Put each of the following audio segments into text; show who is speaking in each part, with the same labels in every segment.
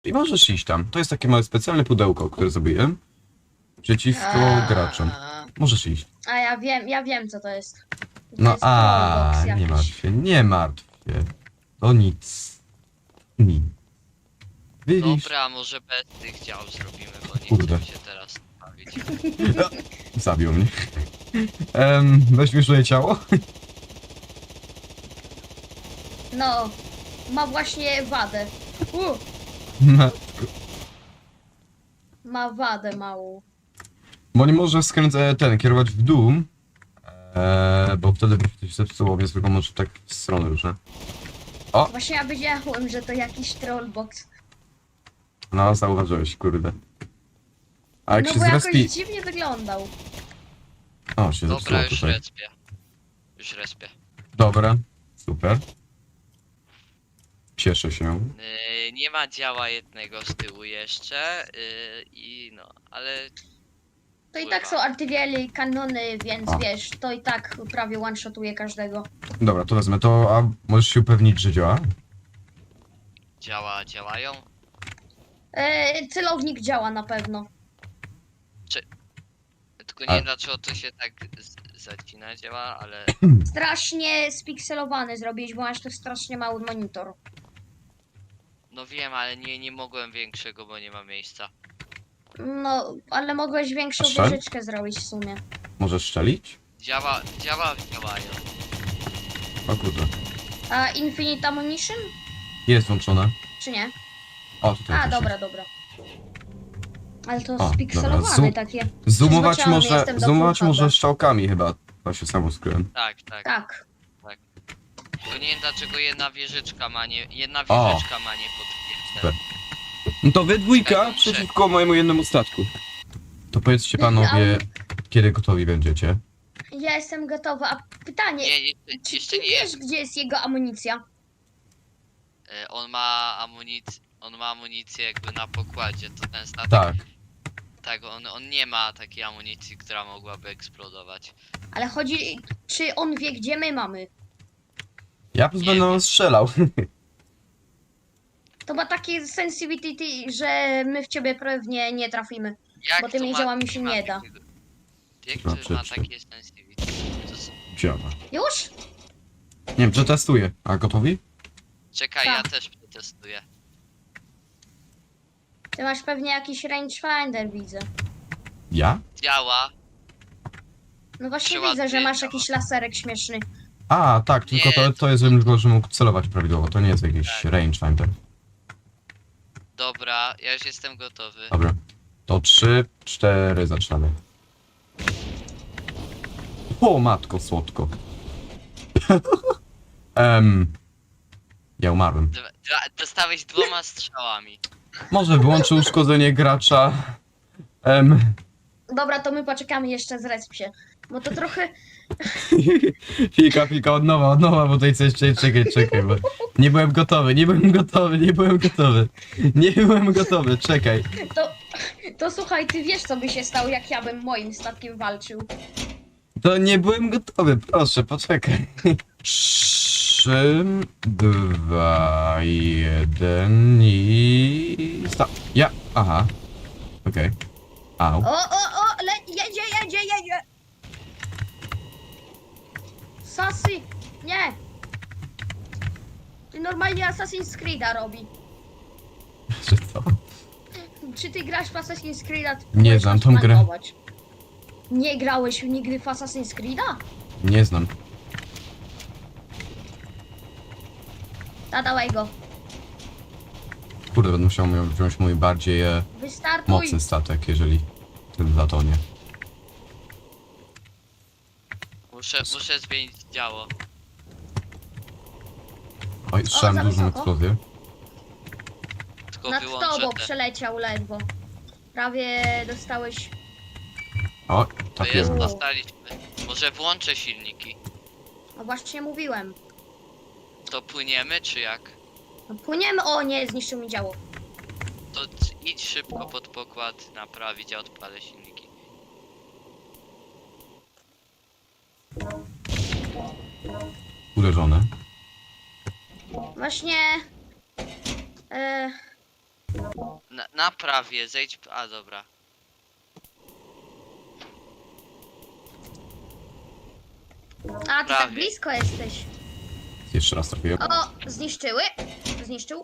Speaker 1: I możesz iść tam. To jest takie małe specjalne pudełko, które zrobiłem. Przeciwko graczom. Możesz iść.
Speaker 2: A ja wiem co to jest. To
Speaker 1: No
Speaker 2: jest trollbox
Speaker 1: nie
Speaker 2: jakiś.
Speaker 1: martw się, nie martw się. To nic. Nic. Widzisz?
Speaker 3: Dobra, może bez tych dział zrobimy, bo nie
Speaker 1: Kurde.
Speaker 3: chcę się teraz bawić.
Speaker 1: Zabił mnie. Weź mi swoje ciało.
Speaker 2: No, ma właśnie wadę. Ma wadę małą.
Speaker 1: Bo nie może kierować w dół. Bo wtedy by się zepsuło, więc tylko może tak w stronę różne.
Speaker 2: Właśnie ja wiedziałem, że to jakiś trollbox.
Speaker 1: No, zauważyłeś, kurde. A jak
Speaker 2: No
Speaker 1: się
Speaker 2: bo
Speaker 1: zrespi...
Speaker 2: jakoś dziwnie wyglądał.
Speaker 1: O, się zepsuło
Speaker 3: Dobra, już
Speaker 1: tutaj.
Speaker 3: respię. Już respię.
Speaker 1: Dobra, super. Cieszę się.
Speaker 3: Nie ma działa jednego z tyłu jeszcze. Ale
Speaker 2: To i tak są artylerie, kanony, więc
Speaker 1: A.
Speaker 2: wiesz, to i tak prawie one-shotuje każdego.
Speaker 1: Dobra, to wezmę to, a możesz się upewnić, że działa?
Speaker 3: działają.
Speaker 2: Celownik działa na pewno.
Speaker 3: Tylko
Speaker 1: A-
Speaker 3: nie wiem dlaczego to się tak zacina działa, ale
Speaker 2: Strasznie spikselowany zrobiłeś, bo masz tu strasznie mały monitor.
Speaker 3: no wiem, ale nie mogłem większego, bo nie ma miejsca.
Speaker 2: No, ale mogłeś większą
Speaker 1: A strzel?
Speaker 2: wieżyczkę zrobić w sumie.
Speaker 1: Możesz strzelić?
Speaker 3: Działają.
Speaker 1: O kurde.
Speaker 2: A Infinite Ammunition?
Speaker 1: Jest włączone.
Speaker 2: Czy nie?
Speaker 1: O, tutaj
Speaker 2: A,
Speaker 1: też
Speaker 2: dobra,
Speaker 1: jest.
Speaker 2: dobra. Ale to
Speaker 1: dobra.
Speaker 2: spikselowane takie.
Speaker 1: Zoomować
Speaker 2: Zobaczyłam, jestem do
Speaker 1: zoomować
Speaker 2: full
Speaker 1: może
Speaker 2: HD.
Speaker 1: strzałkami chyba. To się samo skryłem.
Speaker 3: Tak.
Speaker 2: Tak.
Speaker 3: Tylko nie wiem dlaczego jedna wieżyczka ma nie
Speaker 1: O.
Speaker 3: potwierdzę.
Speaker 1: Super. No to wy dwójka
Speaker 3: Muszę-
Speaker 1: przeciwko mojemu jednemu statku. To powiedzcie panowie, kiedy gotowi będziecie.
Speaker 2: Ja jestem gotowa. A pytanie,
Speaker 3: Nie,
Speaker 2: czy
Speaker 3: jeszcze
Speaker 2: ty
Speaker 3: nie
Speaker 2: wiesz,
Speaker 3: jest.
Speaker 2: gdzie jest jego amunicja?
Speaker 3: On ma amunicję jakby na pokładzie, to ten statek.
Speaker 1: Tak.
Speaker 3: Tak, on nie ma takiej amunicji, która mogłaby eksplodować.
Speaker 2: Ale chodzi, czy on wie, gdzie my mamy?
Speaker 1: Ja będę strzelał.
Speaker 2: To ma takie sensitivity, że my w ciebie pewnie nie trafimy.
Speaker 3: Jak
Speaker 2: Bo tymi
Speaker 3: to
Speaker 2: działami się
Speaker 3: ma
Speaker 2: nie da.
Speaker 3: takiego- Jak
Speaker 1: Znaczy,
Speaker 3: to ma
Speaker 1: czy-
Speaker 3: takie sensitivity? To jest...
Speaker 1: Działa.
Speaker 2: Już?
Speaker 1: Nie wiem, przetestuję. A gotowi?
Speaker 3: Czekaj,
Speaker 2: Tak.
Speaker 3: ja też przetestuję.
Speaker 2: Ty masz pewnie jakiś rangefinder, widzę.
Speaker 1: Ja?
Speaker 3: Działa.
Speaker 2: No właśnie
Speaker 3: Przyładnie
Speaker 2: widzę, że masz
Speaker 3: działa.
Speaker 2: jakiś laserek śmieszny.
Speaker 1: A, tak, tylko
Speaker 3: Nie,
Speaker 1: to jest tylko, że mógł celować prawidłowo. To nie jest jakiś rangefinder.
Speaker 3: Dobra, ja już jestem gotowy.
Speaker 1: Dobra. To 3, 4, zaczynamy. O, matko, słodko. Ja umarłem.
Speaker 3: Dostałeś 2 strzałami.
Speaker 1: Może wyłączę uszkodzenie gracza.
Speaker 2: Dobra, to my poczekamy jeszcze z respsie. Bo to trochę...
Speaker 1: Chwilka, od nowa, bo tutaj coś, czekaj, bo nie byłem gotowy, czekaj.
Speaker 2: To słuchaj, ty wiesz, co by się stało, jak ja bym moim statkiem walczył.
Speaker 1: To nie byłem gotowy, proszę, poczekaj. 3, 2, 1 i... stop. Aha. Okej. Au.
Speaker 2: Jedzie! Sassy! Nie! Ty normalnie Assassin's Creed'a robi.
Speaker 1: Że co?
Speaker 2: Czy ty grasz w Assassin's Creed'a? Ty
Speaker 1: Nie
Speaker 2: powiesz
Speaker 1: znam
Speaker 2: nas
Speaker 1: tą grę.
Speaker 2: planować. Nie grałeś nigdy w Assassin's Creed'a?
Speaker 1: Nie znam.
Speaker 2: Dawaj go.
Speaker 1: Kurde, będę musiał wziąć mój bardziej
Speaker 2: Wystartuj.
Speaker 1: mocny statek, jeżeli ten zatonie.
Speaker 3: Muszę zmienić działo.
Speaker 1: Oj, słyszałem
Speaker 2: za
Speaker 1: dużą
Speaker 2: wysoko.
Speaker 1: eksplozję.
Speaker 3: Tylko
Speaker 2: Nad
Speaker 3: wyłączę
Speaker 2: tobą
Speaker 3: te.
Speaker 2: przeleciał ledwo. Prawie dostałeś...
Speaker 1: O,
Speaker 3: To
Speaker 1: tak
Speaker 3: jest,
Speaker 1: jest.
Speaker 3: dostaliśmy. Może włączę silniki.
Speaker 2: No właśnie mówiłem.
Speaker 3: To płyniemy, czy jak?
Speaker 2: No płyniemy... O nie, zniszczył mi działo.
Speaker 3: To idź szybko pod pokład naprawić, a odpalę silniki.
Speaker 1: Uderzone.
Speaker 2: Właśnie...
Speaker 3: Napraw je, zejdź... A, dobra.
Speaker 2: A, ty tak
Speaker 3: Prawie.
Speaker 2: blisko jesteś.
Speaker 1: Jeszcze raz trafiłem.
Speaker 2: O, zniszczyły? Zniszczył?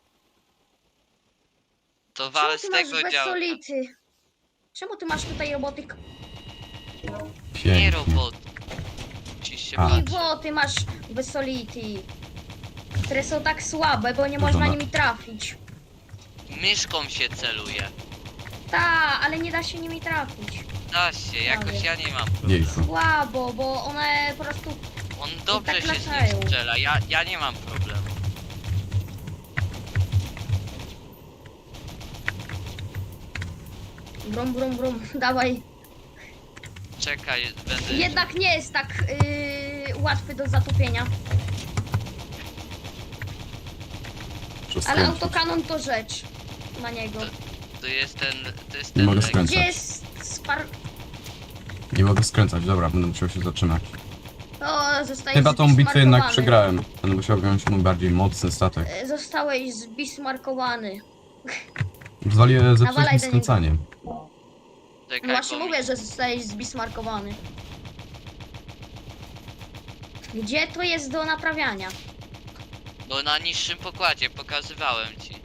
Speaker 3: To
Speaker 2: Czemu
Speaker 3: wal
Speaker 2: ty
Speaker 3: z
Speaker 2: masz
Speaker 3: tego działka.
Speaker 2: bezsolity? Czemu ty masz tutaj robotyk?
Speaker 3: Nie
Speaker 1: Pięknie.
Speaker 3: robot. Musisz się
Speaker 1: A.
Speaker 2: I
Speaker 3: patrzeć.
Speaker 2: bo ty masz bezsolity. Które są tak słabe, bo nie
Speaker 1: Dużo
Speaker 2: można
Speaker 1: na-
Speaker 2: nimi trafić.
Speaker 3: Myszką się celuje.
Speaker 2: Ta, ale nie da się nimi trafić.
Speaker 3: Da się, jakoś
Speaker 2: Prawie.
Speaker 3: ja nie mam problemu.
Speaker 1: Jejku.
Speaker 2: Słabo, bo one po prostu...
Speaker 3: On dobrze
Speaker 2: tak
Speaker 3: się z
Speaker 2: latają.
Speaker 3: nim strzela, ja nie mam problemu.
Speaker 2: Brum, brum, brum, dawaj.
Speaker 3: Czekaj, będę...
Speaker 2: Jednak nie jest tak łatwy do zatopienia. Ale
Speaker 1: Przeskręcić.
Speaker 2: autokanon to rzecz na niego.
Speaker 3: To jest ten... To jest
Speaker 1: Nie
Speaker 3: ten
Speaker 1: mogę
Speaker 3: lek.
Speaker 1: skręcać.
Speaker 2: Gdzie jest spar...
Speaker 1: Nie mogę skręcać, dobra, będę musiał się zatrzymać.
Speaker 2: O, zostałeś
Speaker 1: Chyba tą bitwę jednak
Speaker 2: zbismarkowany.
Speaker 1: przegrałem. Będę musiał wziąć mój bardziej mocny statek.
Speaker 2: Zostałeś zbismarkowany.
Speaker 1: Zwaliłem
Speaker 2: Nawalaj
Speaker 1: zepsuć
Speaker 2: do
Speaker 1: mi skręcanie.
Speaker 3: Czekaj,
Speaker 2: No właśnie
Speaker 3: bo mi-
Speaker 2: mówię, że zostałeś zbismarkowany. Gdzie to jest do naprawiania?
Speaker 3: No na niższym pokładzie, pokazywałem ci.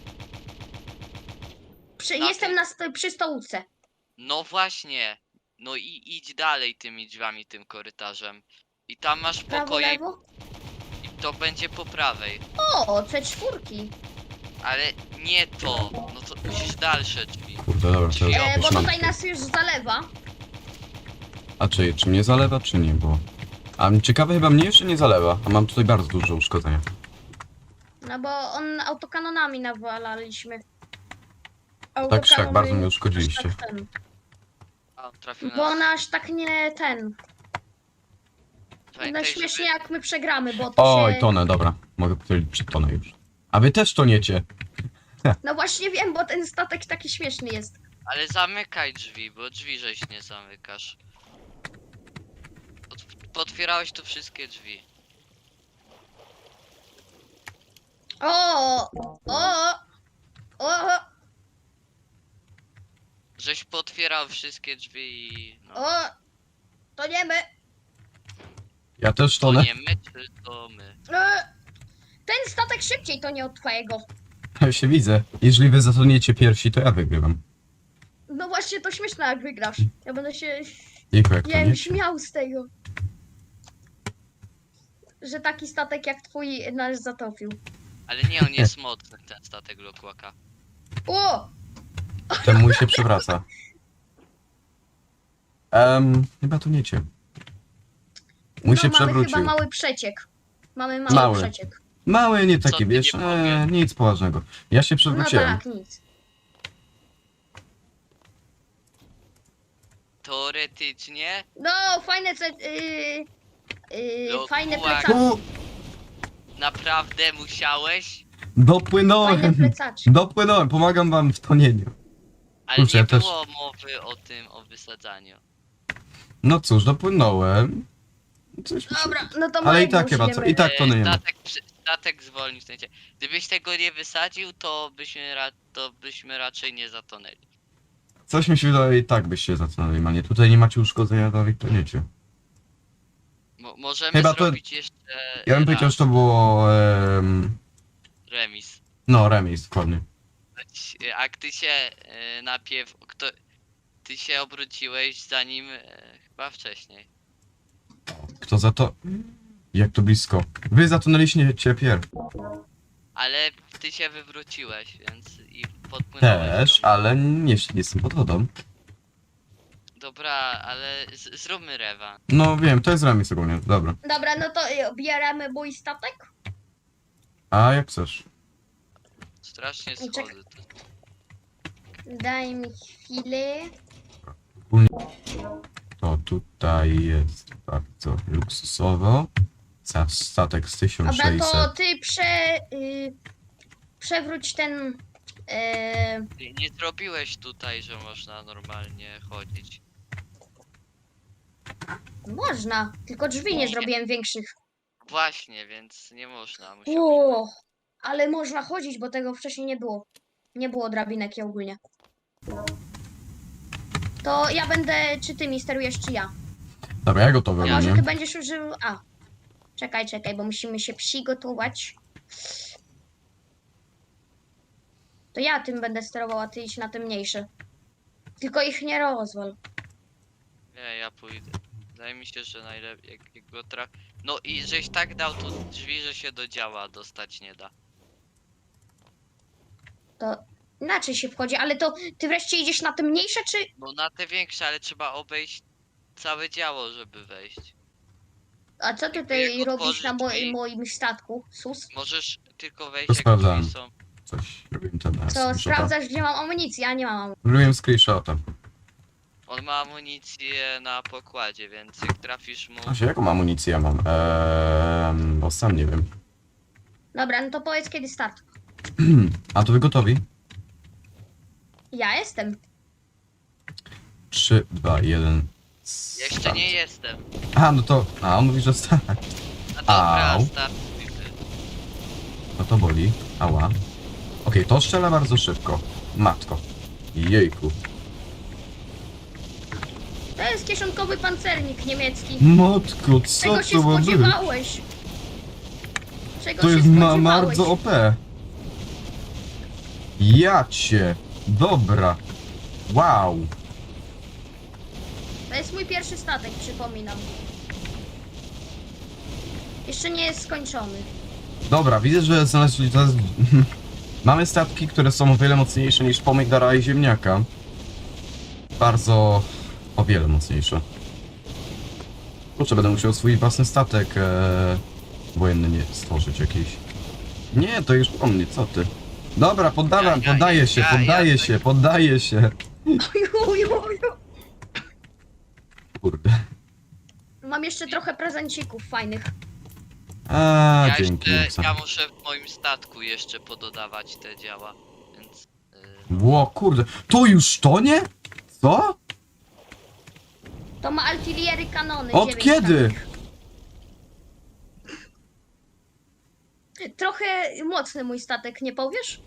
Speaker 3: Na
Speaker 2: Jestem
Speaker 3: tym?
Speaker 2: przy stołówce.
Speaker 3: No właśnie. No i idź dalej tymi drzwiami, tym korytarzem. I tam masz
Speaker 2: Prawo,
Speaker 3: pokoje
Speaker 2: lewo.
Speaker 3: i to będzie po prawej.
Speaker 2: O, C4.
Speaker 3: Ale nie to. No to musisz dalsze drzwi.
Speaker 1: Kurde, dobra, to
Speaker 3: Bo
Speaker 1: już
Speaker 2: Bo
Speaker 1: mam.
Speaker 2: tutaj nas już zalewa.
Speaker 1: A czy mnie zalewa, czy nie? Bo... A ciekawe, chyba mnie jeszcze nie zalewa. A mam tutaj bardzo duże uszkodzenia.
Speaker 2: No bo on autokanonami nawalaliśmy.
Speaker 1: Tak czy siak, bardzo mnie
Speaker 2: Autokanony
Speaker 1: uszkodziliście.
Speaker 2: aż tak ten.
Speaker 3: A, trafił
Speaker 2: Bo
Speaker 3: nas.
Speaker 2: on aż tak nie ten. No
Speaker 3: Pamiętaj,
Speaker 2: śmiesznie
Speaker 3: żeby...
Speaker 2: jak my przegramy, bo to
Speaker 1: Oj,
Speaker 2: się...
Speaker 1: tonę, dobra. Mogę powiedzieć przy tonę już. A wy też toniecie.
Speaker 2: No właśnie wiem, bo ten statek taki śmieszny jest.
Speaker 3: Ale zamykaj drzwi, bo drzwi żeś nie zamykasz. Potwierałeś tu wszystkie drzwi.
Speaker 2: O, o,
Speaker 3: Żeś potwierał wszystkie drzwi i... No.
Speaker 2: o, to nie my.
Speaker 1: Ja też
Speaker 3: To
Speaker 1: tonę.
Speaker 3: nie my, czy to my?
Speaker 2: Ten statek szybciej to nie od twojego.
Speaker 1: Ja się widzę. Jeżeli wy zatoniecie pierwsi, to ja wygrywam.
Speaker 2: No właśnie to śmieszne jak wygrasz. Ja będę się,
Speaker 1: Jejku, jak
Speaker 2: nie
Speaker 1: to
Speaker 2: wiem,
Speaker 1: nie?
Speaker 2: śmiał z tego. Że taki statek jak twój nas zatopił.
Speaker 3: Ale nie, on jest mocny, ten statek Lokłaka.
Speaker 2: O!
Speaker 1: Ten mój się przewraca. Chyba toniecie. Mój się
Speaker 2: No mamy
Speaker 1: przewrócił.
Speaker 2: chyba mały przeciek. Mamy mały,
Speaker 1: Mały.
Speaker 2: przeciek.
Speaker 1: Mały, nie
Speaker 3: Co
Speaker 1: taki,
Speaker 3: ty
Speaker 1: wiesz,
Speaker 3: nie powiesz?
Speaker 1: nic poważnego. Ja się
Speaker 2: No
Speaker 1: przewróciłem.
Speaker 2: tak, nic.
Speaker 3: Teoretycznie...
Speaker 2: No, fajne
Speaker 3: No,
Speaker 2: fajne
Speaker 3: kułak.
Speaker 2: plecaczki.
Speaker 3: Naprawdę musiałeś?
Speaker 2: Fajne
Speaker 1: Dopłynąłem!
Speaker 2: plecaczki.
Speaker 1: Dopłynąłem, pomagam wam w tonieniu.
Speaker 3: Ale
Speaker 1: Kurczę,
Speaker 3: nie
Speaker 1: ja też-
Speaker 3: było mowy o tym, o wysadzaniu.
Speaker 1: No cóż, dopłynąłem. Coś mi się...
Speaker 2: Dobra, no to
Speaker 1: Ale i
Speaker 2: mojego
Speaker 1: tak chyba co,
Speaker 2: użyjemy.
Speaker 1: i tak to nie ma.
Speaker 3: Statek zwolnił w sensie. Gdybyś tego nie wysadził, to byśmy raczej nie zatonęli.
Speaker 1: Coś mi się wydaje, i tak byście zatonęli, manie. Tutaj nie macie uszkodzenia, dalej toniecie.
Speaker 3: Możemy
Speaker 1: Chyba to-
Speaker 3: zrobić jeszcze
Speaker 1: Ja bym powiedział, że to było...
Speaker 3: remis.
Speaker 1: no, remis, dokładnie.
Speaker 3: A ty się najpierw... Ty się obróciłeś zanim... chyba wcześniej.
Speaker 1: Kto za to... Jak to blisko. Wy zatonęliście pierw.
Speaker 3: Ale ty się wywróciłeś, więc i podpłynąłeś.
Speaker 1: Też, ale nie jestem pod wodą.
Speaker 3: Dobra, ale zróbmy rewan.
Speaker 1: No wiem, to jest remis ogólnie, dobra.
Speaker 2: Dobra, no to bierzemy mój statek.
Speaker 1: A jak chcesz?
Speaker 3: Strasznie
Speaker 2: Czekaj.
Speaker 3: schody.
Speaker 2: Daj mi chwilę.
Speaker 1: To tutaj jest bardzo luksusowo. Za statek z
Speaker 2: Dobra,
Speaker 1: 1600.
Speaker 2: to ty przewróć ten...
Speaker 3: Ty nie zrobiłeś tutaj, że można normalnie chodzić.
Speaker 2: Można, tylko drzwi nie zrobiłem większych.
Speaker 3: Właśnie, więc nie można.
Speaker 2: O, ale można chodzić, bo tego wcześniej nie było. Nie było drabinek ogólnie. To ja będę, czy ty mi sterujesz, czy ja?
Speaker 1: Dobra, ja gotowy
Speaker 2: A może
Speaker 1: ogólnie.
Speaker 2: ty będziesz użył... A. Czekaj, bo musimy się przygotować. To ja tym będę sterował, a ty idź na te mniejsze. Tylko ich nie rozwal.
Speaker 3: Nie, ja pójdę. Wydaje mi się, że najlepiej jak go No i żeś tak dał tu drzwi, że się do działa dostać nie da.
Speaker 2: To inaczej się wchodzi, ale to ty wreszcie idziesz na te mniejsze, czy...
Speaker 3: No na te większe, ale trzeba obejść całe działo, żeby wejść.
Speaker 2: A co ty
Speaker 3: Jak
Speaker 2: tutaj robisz na
Speaker 3: otworzyć drzwi?
Speaker 2: moim statku, sus?
Speaker 3: Możesz tylko wejść
Speaker 1: To
Speaker 3: jak
Speaker 1: sprawdzałem.
Speaker 3: drzwi są.
Speaker 1: Coś robiłem teraz.
Speaker 2: Co, sprawdzasz, gdzie mam amunicję, a nie mam amunicji.
Speaker 1: Robiłem screenshota.
Speaker 3: On ma amunicję na pokładzie, więc jak trafisz mu...
Speaker 1: Właśnie, jaką amunicję ja mam? Bo sam nie wiem.
Speaker 2: Dobra, no to powiedz kiedy start.
Speaker 1: A to wy gotowi?
Speaker 2: Ja jestem.
Speaker 1: 3, 2, 1.
Speaker 3: Jeszcze nie jestem.
Speaker 1: A, no to... A, on mówi, że start.
Speaker 3: A dobra,
Speaker 1: Au.
Speaker 3: startujmy.
Speaker 1: No to boli. Ała. Okej, to strzela bardzo szybko. Matko. Jejku.
Speaker 2: To jest kieszonkowy pancernik niemiecki.
Speaker 1: Matko, co
Speaker 2: Czego się
Speaker 1: to ma być?
Speaker 2: spodziewałeś? Czego
Speaker 1: To
Speaker 2: się
Speaker 1: jest
Speaker 2: spodziewałeś?
Speaker 1: bardzo OP. Ja cię. Dobra. Wow.
Speaker 2: To jest mój pierwszy statek, przypominam. Jeszcze nie jest skończony.
Speaker 1: Dobra, widzę, że znaleźli teraz... Mamy statki, które są o wiele mocniejsze niż pomidora i ziemniaka. Bardzo... o wiele mocniejsze. Kurczę, będę musiał swój własny statek wojenny nie stworzyć jakiś. Nie, to już po mnie, co ty? Dobra, poddaję się, poddaję się. Kurde.
Speaker 2: Mam jeszcze trochę prezencików fajnych.
Speaker 1: A,
Speaker 3: Ja,
Speaker 1: dzięki.
Speaker 3: jeszcze, ja muszę w moim statku jeszcze pododawać te działa, więc...
Speaker 1: Ło, kurde. To już to nie? Co?
Speaker 2: To ma artyliery kanony.
Speaker 1: Od
Speaker 2: 9
Speaker 1: kiedy?
Speaker 2: takich. Trochę mocny mój statek, nie powiesz?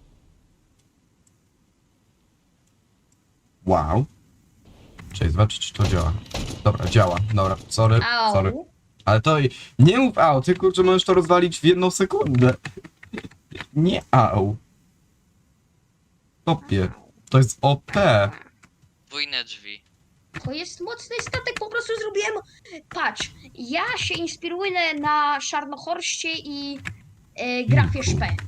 Speaker 1: Wow. Cześć, zobaczyć czy to działa. Dobra, działa. Dobra, sorry.
Speaker 2: Au.
Speaker 1: Ale to nie mów au, ty kurczę możesz to rozwalić w 1 sekundę. Nie au. Topie. To jest OP.
Speaker 3: Podwójne drzwi.
Speaker 2: To jest mocny statek, po prostu zrobiłem... Patrz, ja się inspiruję na Szarnochorście i Grafie Szpe.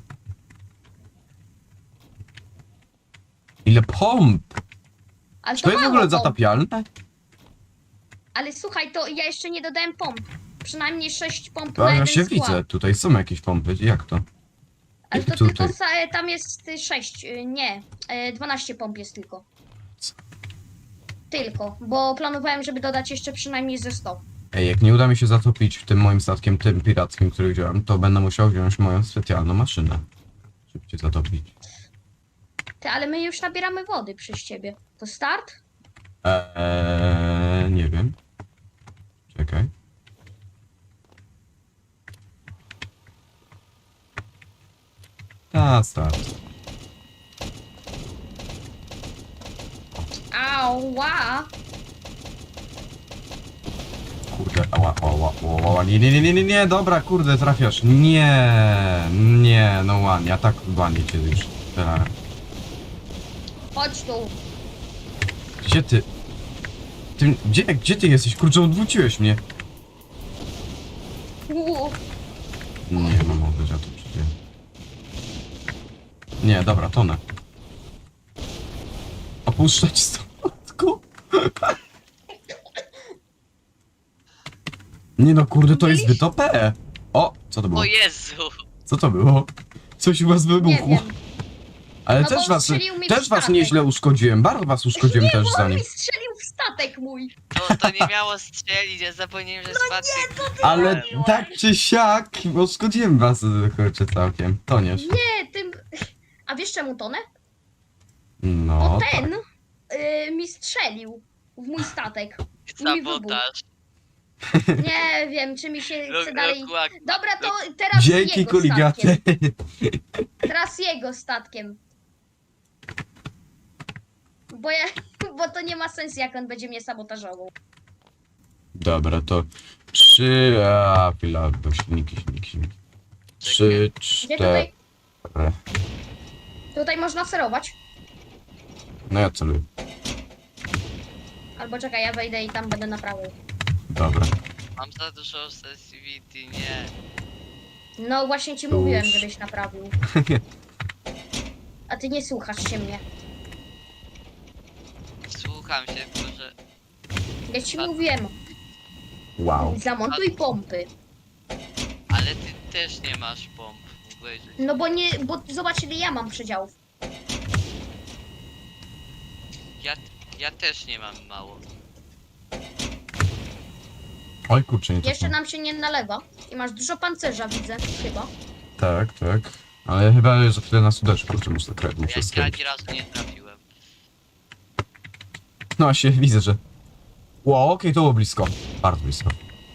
Speaker 1: Ile pomp.
Speaker 2: Ale
Speaker 1: Czy to jest w
Speaker 2: mało
Speaker 1: ogóle
Speaker 2: pomp.
Speaker 1: zatapialne?
Speaker 2: Ale słuchaj, to ja jeszcze nie dodałem pomp. Przynajmniej 6 pomp
Speaker 1: To
Speaker 2: na
Speaker 1: ja
Speaker 2: jeden
Speaker 1: się
Speaker 2: skład.
Speaker 1: widzę, tutaj są jakieś pompy, jak to?
Speaker 2: Ale to
Speaker 1: Tutaj.
Speaker 2: tylko tam jest 6, nie, 12 pomp jest tylko.
Speaker 1: Co?
Speaker 2: Tylko, bo planowałem, żeby dodać jeszcze przynajmniej ze 100.
Speaker 1: Ej, jak nie uda mi się zatopić tym moim statkiem, tym pirackim, który wziąłem, to będę musiał wziąć moją specjalną maszynę. Żeby cię zatopić.
Speaker 2: Ty, ale my już nabieramy wody przez ciebie. To start?
Speaker 1: Nie wiem. Czekaj. Start.
Speaker 2: Ała!
Speaker 1: Kurde, ała, nie, dobra, kurde, trafiasz. Nie, no ładnie, ja tak ładnie cię już.
Speaker 2: Chodź tu.
Speaker 1: Gdzie ty? Gdzie ty jesteś? Kurczę, odwróciłeś mnie. Nie, no mogę, ja tu przyjdę. Nie, dobra, tonę. Opuszczać statku. Nie no, kurde, to jest zbyt OP. O, co to było?
Speaker 3: O Jezu!
Speaker 1: Co to było? Coś u was
Speaker 2: Nie
Speaker 1: wybuchło.
Speaker 2: wiem.
Speaker 1: Ale
Speaker 2: No bo
Speaker 1: też was,
Speaker 2: strzelił mi w
Speaker 1: też was
Speaker 2: statek.
Speaker 1: nieźle uszkodziłem. Bardzo was uszkodziłem
Speaker 2: Nie,
Speaker 1: też
Speaker 2: bo on
Speaker 1: zanim.
Speaker 2: mi strzelił w statek mój.
Speaker 3: To nie miało strzelić, ja zapomniałem, że spadł.
Speaker 1: Ale tak czy siak, uszkodziłem was, kurczę, całkiem. Toniesz.
Speaker 2: Nie, tym... A wiesz czemu tonę?
Speaker 1: No,
Speaker 2: Bo
Speaker 1: tak.
Speaker 2: ten mi strzelił w mój statek.
Speaker 3: Sabotaż.
Speaker 2: Nie wiem, czy mi się chce dalej...
Speaker 3: Lokłak.
Speaker 2: Dobra, to teraz
Speaker 1: Dzięki,
Speaker 2: jego
Speaker 1: kuligaty.
Speaker 2: statkiem. Teraz jego statkiem. Bo to nie ma sensu, jak on będzie mnie sabotażował.
Speaker 1: Dobra, to 3... A, chwila, bo silniki. 3,
Speaker 2: Gdzie
Speaker 1: 4...
Speaker 2: tutaj można sterować?
Speaker 1: No ja celuję.
Speaker 2: Albo czekaj, ja wejdę i tam będę naprawiał.
Speaker 1: Dobra.
Speaker 3: Mam za dużo sensitivity, nie.
Speaker 2: No właśnie ci
Speaker 1: Już.
Speaker 2: mówiłem, żebyś naprawił. A ty nie słuchasz się mnie.
Speaker 3: Słucham się, tylko że...
Speaker 2: Ja ci mówiłem,
Speaker 1: Wow.
Speaker 2: zamontuj pompy.
Speaker 3: Ale ty też nie masz pomp. Mógłbyś...
Speaker 2: No bo zobacz ile ja mam przedziałów.
Speaker 3: Ja też nie mam mało.
Speaker 1: Oj kurczę, nie to
Speaker 2: Jeszcze
Speaker 1: są.
Speaker 2: nam się nie nalewa. I masz dużo pancerza, widzę, chyba.
Speaker 1: Tak. Ale chyba za chwilę nas uderzy, kurczę, muszę
Speaker 3: Ja ani
Speaker 1: skręcić.
Speaker 3: razu nie trafiłem.
Speaker 1: No właśnie, widzę, że... Wow, okej, to było blisko. Bardzo blisko.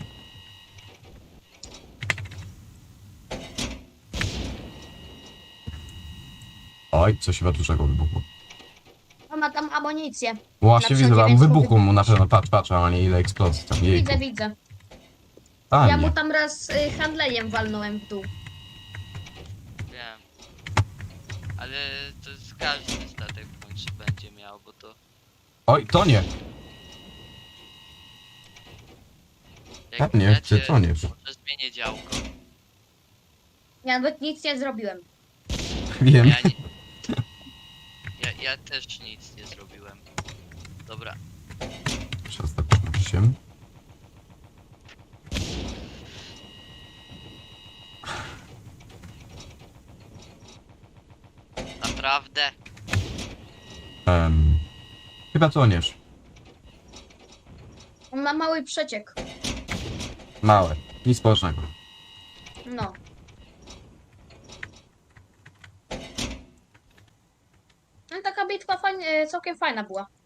Speaker 1: Oj, coś chyba dużego wybuchło.
Speaker 2: On ma tam amunicję.
Speaker 1: Właśnie
Speaker 2: Na
Speaker 1: widzę,
Speaker 2: przodzie,
Speaker 1: mu
Speaker 2: więc
Speaker 1: wybuchło mu na
Speaker 2: wybuchło.
Speaker 1: pewno, patrz, a nie ile eksplozji tam, jejku.
Speaker 2: Widzę.
Speaker 1: A,
Speaker 2: Ja
Speaker 1: nie.
Speaker 2: mu tam raz handlejem walnąłem w dół.
Speaker 3: Wiem. Ale to jest każdy statek w końcu będzie miał, bo to...
Speaker 1: Oj, to nie.
Speaker 3: Jak
Speaker 1: Nie, ty to nie.
Speaker 3: Może zmienię działko.
Speaker 2: Ja nawet nic nie zrobiłem.
Speaker 1: Wiem.
Speaker 3: Ja, nie... ja też nic nie zrobiłem. Dobra.
Speaker 1: Teraz tak 8.
Speaker 3: Naprawdę?
Speaker 1: Chyba toniesz.
Speaker 2: On ma mały przeciek.
Speaker 1: Małe. Nic poważnego.
Speaker 2: No. No taka bitwa całkiem fajna była.